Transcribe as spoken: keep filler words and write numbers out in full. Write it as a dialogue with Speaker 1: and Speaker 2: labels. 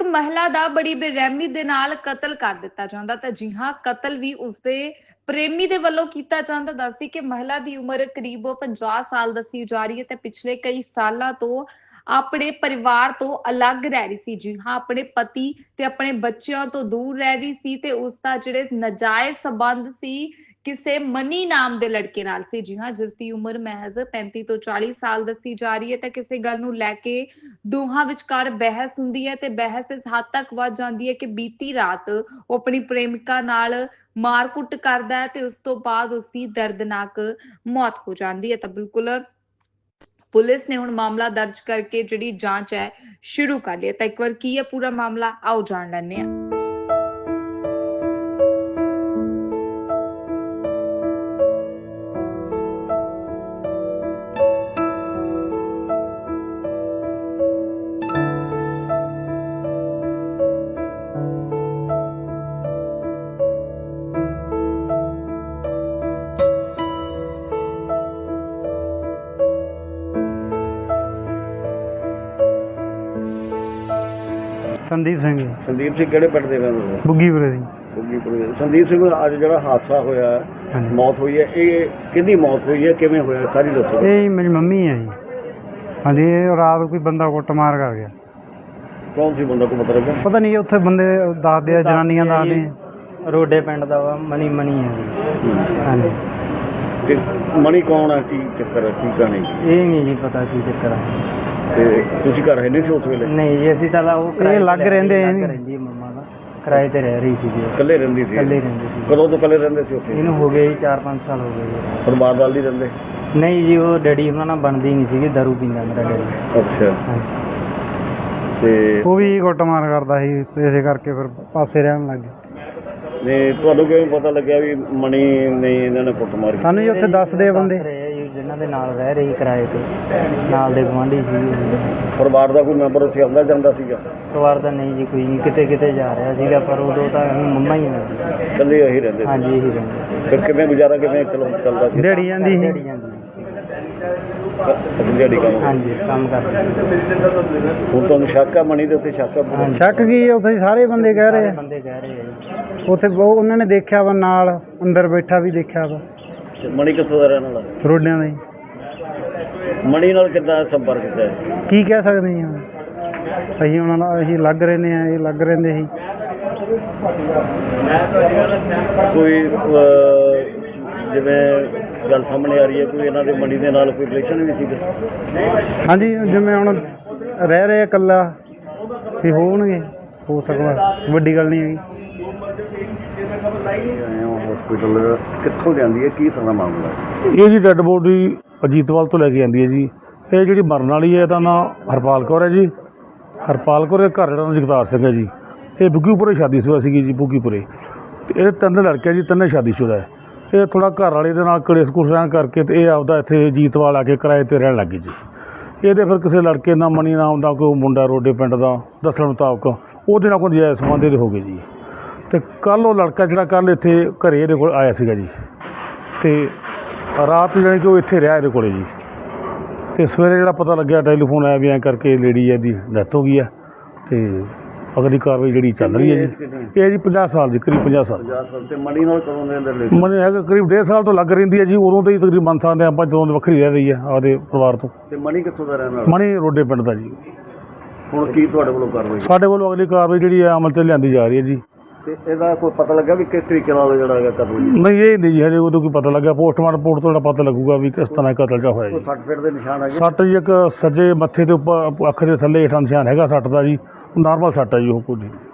Speaker 1: महिला ਦਾ ਬੜੀ ਬੇਰਹਿਮੀ ਦੇ ਨਾਲ ਕਤਲ ਕਰ ਦਿੱਤਾ ਜਾਂਦਾ ਤਾਂ ਜੀ ਹਾਂ ਕਤਲ ਵੀ ਉਸਦੇ ਪ੍ਰੇਮੀ ਦੇ ਵੱਲੋਂ ਕੀਤਾ ਜਾਂਦਾ। ਦੱਸਦੀ ਕਿ ਮਹਿਲਾ ਦੀ ਉਮਰ ਕਰੀਬ ਪੰਜਾਹ ਸਾਲ ਦੱਸੀ ਜਾ ਰਹੀ ਹੈ ਤੇ ਪਿਛਲੇ ਕਈ ਸਾਲਾਂ ਤੋਂ ਆਪਣੇ ਪਰਿਵਾਰ ਤੋਂ ਅਲੱਗ ਰਹਿ ਰਹੀ ਸੀ। ਜੀ ਹਾਂ ਆਪਣੇ ਪਤੀ ਤੇ ਆਪਣੇ ਬੱਚਿਆਂ ਤੋਂ ਦੂਰ ਰਹਿ ਰਹੀ ਸੀ ਤੇ ਉਸ ਦਾ ਜਿਹੜੇ ਨਜਾਇਜ਼ ਸਬੰਧ ਸੀ ਕਿਸੇ ਮਨੀ ਨਾਮ ਦੇ ਲੜਕੇ ਨਾਲ ਸੀ। ਜੀ ਹਾਂ ਜਿਸ ਦੀ ਉਮਰ ਮਹਿਜ਼ ਪੈਂਤੀ ਤੋਂ ਚਾਲੀ ਸਾਲ ਦੱਸੀ ਜਾ ਰਹੀ ਹੈ ਤਾਂ ਕਿਸੇ ਗੱਲ ਨੂੰ ਲੈ ਕੇ ਦੋਹਾਂ ਵਿਚਕਾਰ ਬਹਿਸ ਹੁੰਦੀ ਹੈ ਤੇ ਬਹਿਸ ਇਸ ਹੱਦ ਤੱਕ ਵੱਧ ਜਾਂਦੀ ਹੈ ਕਿ ਬੀਤੀ ਰਾਤ ਉਹ ਆਪਣੀ ਪ੍ਰੇਮਿਕਾ ਨਾਲ ਮਾਰਕੁੱਟ ਕਰਦਾ ਹੈ ਤੇ ਉਸ ਤੋਂ ਬਾਅਦ ਉਸ ਦੀ ਦਰਦਨਾਕ ਮੌਤ ਹੋ ਜਾਂਦੀ ਹੈ। ਤਾਂ ਬਿਲਕੁਲ ਪੁਲਿਸ ਨੇ ਹੁਣ ਮਾਮਲਾ ਦਰਜ ਕਰਕੇ ਜਿਹੜੀ ਜਾਂਚ ਹੈ ਸ਼ੁਰੂ ਕਰ ਲਈ ਹੈ। ਤਾਂ ਇੱਕ ਵਾਰ ਕੀ ਹੈ ਪੂਰਾ ਮਾਮਲਾ ਆਓ ਜਾਣ ਲੈਂਦੇ ਹਾਂ।
Speaker 2: संदीप सिंह जी।
Speaker 3: संदीप सिंह किहड़े पिंड दे रहण वाले?
Speaker 2: बुग्गीपुरे दी।
Speaker 3: बुग्गीपुरे। संदीप सिंह अज जिहड़ा हादसा होया
Speaker 2: हाँ जी।
Speaker 3: मौत हुई है ये किहदी मौत हुई है किवें होया सारी दसो।
Speaker 2: ये जी मेरी मम्मी है जी। हाँ जी ये रात कोई बंदा कुੱਟਮਾਰ कर गया।
Speaker 3: कौन सी बंदा को पता लगा?
Speaker 2: पता नहीं उत्थे बंदे दसदे आ जनानियां दसदे
Speaker 4: रोडे पिंड दा वा मनी मनी है जी। हाँ जी
Speaker 3: ते मनी कौन है की चक्कर है की कहानी?
Speaker 4: ये नहीं जी पता की चक्कर है।
Speaker 3: ते तुसीं घर है नहीं सी उस वेले?
Speaker 4: नहीं जी ਅਸੀਂ ਤਾਂ ਉਹ
Speaker 2: ਇਹ ਲੱਗ ਰਹਿੰਦੇ ਆ ਜੀ।
Speaker 4: ਰਹਿੰਦੀ ਹੈ ਮੰਮਾ ਦਾ ਕਿਰਾਏ ਤੇ ਰਹਿ ਰਹੀ ਸੀ ਜੀ।
Speaker 3: कल्ले रहिंदी सी?
Speaker 4: ਇਕੱਲੇ ਰਹਿੰਦੀ ਸੀ।
Speaker 3: कदों तो कल्ले रहिंदे सी उत्थे?
Speaker 4: ਇਹਨੂੰ ਹੋ ਗਏ ਜੀ ਚਾਰ ਪੰਜ ਸਾਲ ਹੋ ਗਏ ਜੀ।
Speaker 3: परिवार नाल नहीं रहिंदे?
Speaker 4: ਨਹੀਂ ਜੀ ਉਹ ਡੈਡੀ ਉਹਨਾਂ ਨਾਲ ਬਣਦੀ ਨਹੀਂ ਸੀਗੀ ਦਾਰੂ ਪੀਂਦਾ ਮੇਰਾ ਡੈਡੀ।
Speaker 3: अच्छा
Speaker 4: ਹਾਂਜੀ
Speaker 3: ਤੇ
Speaker 2: ਉਹ ਵੀ ਕੁੱਟਮਾਰ ਕਰਦਾ ਸੀ ਤੇ ਇਸੇ ਕਰਕੇ ਫਿਰ ਪਾਸੇ ਰਹਿਣ ਲੱਗ ਗਏ।
Speaker 3: ਨੇ ਤੁਹਾਨੂੰ ਕਿਵੇਂ ਪਤਾ ਲੱਗਿਆ ਵੀ ਮਣੀ ਨੇ ਇਹਨਾਂ ਨੇ ਕੁੱਟ ਮਾਰੀ?
Speaker 2: ਸਾਨੂੰ ਜੀ ਉੱਥੇ ਦੱਸਦੇ ਆ ਬੰਦੇ।
Speaker 4: ਦੱਸ ਰਹੇ ਆ ਜੀ ਜਿਨ੍ਹਾਂ ਦੇ ਨਾਲ ਰਹਿ ਰਹੀ ਕਿਰਾਏ ਤੇ ਨਾਲ ਦੇ ਗੁਆਂਢੀ ਸੀ।
Speaker 3: ਪਰਿਵਾਰ ਦਾ ਕੋਈ ਮੈਂਬਰ ਉੱਥੇ ਆਉਂਦਾ ਜਾਂਦਾ ਸੀਗਾ?
Speaker 4: ਪਰਿਵਾਰ ਦਾ ਨਹੀਂ ਜੀ ਕੋਈ ਨਹੀਂ ਕਿਤੇ ਕਿਤੇ ਜਾ ਰਿਹਾ ਸੀਗਾ ਪਰ ਉਦੋਂ ਤਾਂ ਮੰਮਾ ਹੀ ਨੇ ਜੀ।
Speaker 3: ਇਕੱਲੇ ਇਹੀ ਰਹਿੰਦੇ ਸੀ?
Speaker 4: ਹਾਂਜੀ ਇਹੀ ਰਹਿੰਦੇ।
Speaker 3: ਫਿਰ ਕਿਵੇਂ ਗੁਜ਼ਾਰਾ ਕਿਵੇਂ ਚਲੋ ਚੱਲਦਾ ਸੀ?
Speaker 2: ਦਿਹਾੜੀ ਜਾਂਦੀ ਸੀ।
Speaker 4: ਦਿਹਾੜੀ ਜਾਂਦੀ
Speaker 3: ਅਸੀਂ ਦਿਹਾੜੀ ਕੰਮ?
Speaker 4: ਹਾਂਜੀ ਕੰਮ ਕਰਦੇ।
Speaker 3: ਹੁਣ ਤੁਹਾਨੂੰ ਸ਼ੱਕ ਆ ਮਣੀ ਦੇ ਉੱਤੇ? ਸ਼ੱਕ ਆ?
Speaker 2: ਸ਼ੱਕ ਕੀ ਹੈ ਉੱਥੇ ਸਾਰੇ ਬੰਦੇ ਕਹਿ ਰਹੇ ਆ।
Speaker 4: ਬੰਦੇ ਕਹਿ ਰਹੇ ਆ ਜੀ।
Speaker 2: ਉੱਥੇ ਉਹ ਉਹਨਾਂ ਨੇ ਦੇਖਿਆ ਵਾ ਨਾਲ ਅੰਦਰ ਬੈਠਾ ਵੀ ਦੇਖਿਆ ਵਾ।
Speaker 3: ਤੇ ਮਣੀ ਕਿੱਥੋਂ ਦਾ ਰਹਿਣ ਵਾਲਾ?
Speaker 2: ਰੋਡਿਆਂ ਦਾ ਹੀ।
Speaker 3: ਮਣੀ ਨਾਲ ਕਿੱਦਾਂ ਸੰਪਰਕ ਕੀਤਾ ਹੈ?
Speaker 2: ਕੀ ਕਹਿ ਸਕਦੇ ਹਾਂ ਹੁਣ? ਅਸੀਂ ਉਹਨਾਂ ਨਾਲ ਅਸੀਂ ਲੱਗ ਰਹਿੰਦੇ ਹਾਂ ਇਹ ਲੱਗ ਰਹਿੰਦੇ ਸੀ।
Speaker 3: ਕੋਈ ਅਹ, ਜਿਵੇਂ ਗੱਲ ਸਾਹਮਣੇ ਆ ਰਹੀ ਹੈ ਕੋਈ ਇਹਨਾਂ ਦੇ ਮਣੀ ਦੇ ਨਾਲ ਕੋਈ ਰਿਲੇਸ਼ਨ ਵੀ ਸੀਗਾ?
Speaker 2: ਹਾਂਜੀ ਜਿਵੇਂ ਹੁਣ ਰਹਿ ਰਹੇ ਇਕੱਲਾ ਵੀ ਹੋਣਗੇ ਹੋ ਸਕਦਾ ਵੱਡੀ ਗੱਲ ਨਹੀਂ ਹੈਗੀ।
Speaker 3: ਹਸਪੀਟਲ ਕਿੱਥੋਂ ਲਿਆਂਦੀ ਹੈ ਕੀ ਸਾਰਾ ਮਾਮਲਾ?
Speaker 5: ਇਹ ਜੀ ਡੈੱਡ ਬੋਡੀ ਅਜੀਤਵਾਲ ਤੋਂ ਲੈ ਕੇ ਆਂਦੀ ਹੈ ਜੀ। ਇਹ ਜਿਹੜੀ ਮਰਨ ਵਾਲੀ ਹੈ ਇਹਦਾ ਨਾਂ ਹਰਪਾਲ ਕੌਰ ਹੈ ਜੀ। ਹਰਪਾਲ ਕੌਰ ਦੇ ਘਰ ਜਿਹੜਾ ਜਗਤਾਰ ਸਿੰਘ ਹੈ ਜੀ। ਇਹ ਬੁੱਗੀਪੁਰੇ ਸ਼ਾਦੀशुदा ਸੀਗੀ ਜੀ ਬੁੱਗੀਪੁਰੇ। ਅਤੇ ਇਹ ਤਿੰਨ ਲੜਕੇ ਜੀ ਤਿੰਨੇ ਸ਼ਾਦੀशुदा ਹੈ। ਇਹ ਥੋੜ੍ਹਾ ਘਰ ਵਾਲੇ ਦੇ ਨਾਲ ਕਲੇਸ਼ ਕੁਲੇਸ਼ ਰਹਿਣ ਕਰਕੇ ਅਤੇ ਇਹ ਆਪਦਾ ਇੱਥੇ ਅਜੀਤਵਾਲ ਆ ਕੇ ਕਿਰਾਏ 'ਤੇ ਰਹਿਣ ਲੱਗ ਗਈ ਜੀ। ਇਹਦੇ ਫਿਰ ਕਿਸੇ ਲੜਕੇ ਨਾਲ ਮਣੀ ਨਾਮ ਦਾ ਕੋਈ ਮੁੰਡਾ ਰੋਡੇ ਪਿੰਡ ਦਾ ਦੱਸਣ ਮੁਤਾਬਕ ਉਹਦੇ ਨਾਲ ਕੋਈ ਨਜਾਇਜ਼ ਸੰਬੰਧ ਇਹਦੇ ਹੋ ਗਏ ਜੀ। ਅਤੇ ਕੱਲ੍ਹ ਉਹ ਲੜਕਾ ਜਿਹੜਾ ਕੱਲ੍ਹ ਇੱਥੇ ਘਰੇ ਇਹਦੇ ਕੋਲ ਆਇਆ ਸੀਗਾ ਜੀ ਅਤੇ ਰਾਤ ਜਾਣੀ ਕਿ ਉਹ ਇੱਥੇ ਰਿਹਾ ਇਹਦੇ ਕੋਲ ਜੀ। ਅਤੇ ਸਵੇਰੇ ਜਿਹੜਾ ਪਤਾ ਲੱਗਿਆ ਟੈਲੀਫੋਨ ਆਇਆ ਵੀ ਐਂ ਕਰਕੇ ਲੇਡੀ ਇਹਦੀ ਡੈਥ ਹੋ ਗਈ ਹੈ ਅਤੇ ਅਗਲੀ ਕਾਰਵਾਈ ਜਿਹੜੀ ਚੱਲ ਰਹੀ ਹੈ ਜੀ। ਇਹ ਜੀ ਪੰਜਾਹ ਸਾਲ ਦੀ ਕਰੀਬ ਪੰਜਾਹ ਸਾਲ।
Speaker 3: ਪੰਜਾਹ ਸਾਲ। ਤੇ ਮਣੀ ਨਾਲ ਕਦੋਂ ਦੇ ਅੰਦਰ ਰਿਲੇਸ਼ਨ?
Speaker 5: ਮਨੀ ਹੈਗਾ ਕਰੀਬ ਡੇਢ ਸਾਲ ਤੋਂ ਲੱਗ ਰਹਿੰਦੀ ਹੈ ਜੀ। ਉਦੋਂ ਤੋਂ ਹੀ ਤਕਰੀਬਨ ਮੰਨ ਸਕਦੇ ਹਾਂ ਆਪਾਂ ਜਦੋਂ ਦੀ ਵੱਖਰੀ ਰਹਿ ਰਹੀ ਹੈ ਆਪਦੇ ਪਰਿਵਾਰ ਤੋਂ।
Speaker 3: ਤੇ ਮਣੀ ਕਿੱਥੋਂ ਦਾ ਰਹਿਣ ਵਾਲਾ?
Speaker 5: ਮਣੀ ਰੋਡੇ ਪਿੰਡ ਦਾ ਜੀ।
Speaker 3: ਹੁਣ ਕੀ ਤੁਹਾਡੇ ਵੱਲੋਂ ਕਾਰਵਾਈ?
Speaker 5: ਸਾਡੇ ਵੱਲੋਂ ਅਗਲੀ ਕਾਰਵਾਈ ਜਿਹੜੀ ਹੈ ਅਮਲ 'ਤੇ ਲਿਆਂਦੀ ਜਾ ਰਹੀ ਹੈ ਜੀ।
Speaker 3: ਤੇ ਇਹਦਾ ਕੋਈ ਪਤਾ ਲੱਗਾ ਵੀ ਕਿਸ ਤਰੀਕੇ ਨਾਲ ਜਿਹੜਾ ਹੈਗਾ ਕਤਲ ਹੋਇਆ?
Speaker 5: ਨਹੀਂ ਇਹ ਨਹੀਂ ਜੀ ਹਜੇ ਉਦੋਂ ਕੋਈ ਪਤਾ ਲੱਗਾ। ਪੋਸਟਮਾਰਟਮ ਰਿਪੋਰਟ ਤੋਂ ਜਿਹੜਾ ਪਤਾ ਲੱਗੂਗਾ ਵੀ ਕਿਸ ਤਰ੍ਹਾਂ ਕਤਲ ਜਿਹਾ ਹੋਇਆ
Speaker 3: ਕੋਈ
Speaker 5: ਜੀ।
Speaker 3: ਸੱਟ ਫੇਟ ਦੇ ਨਿਸ਼ਾਨ ਹੈਗੇ?
Speaker 5: ਸੱਟ ਜੀ ਇੱਕ ਸੱਜੇ ਮੱਥੇ ਦੇ ਉੱਪਰ ਅੱਖ ਦੇ ਥੱਲੇ ਹੇਠਾਂ ਨਿਸ਼ਾਨ ਹੈਗਾ ਸੱਟ ਦਾ ਜੀ। ਨਾਰਮਲ ਸੱਟ ਹੈ ਜੀ ਉਹ ਕੋਈ।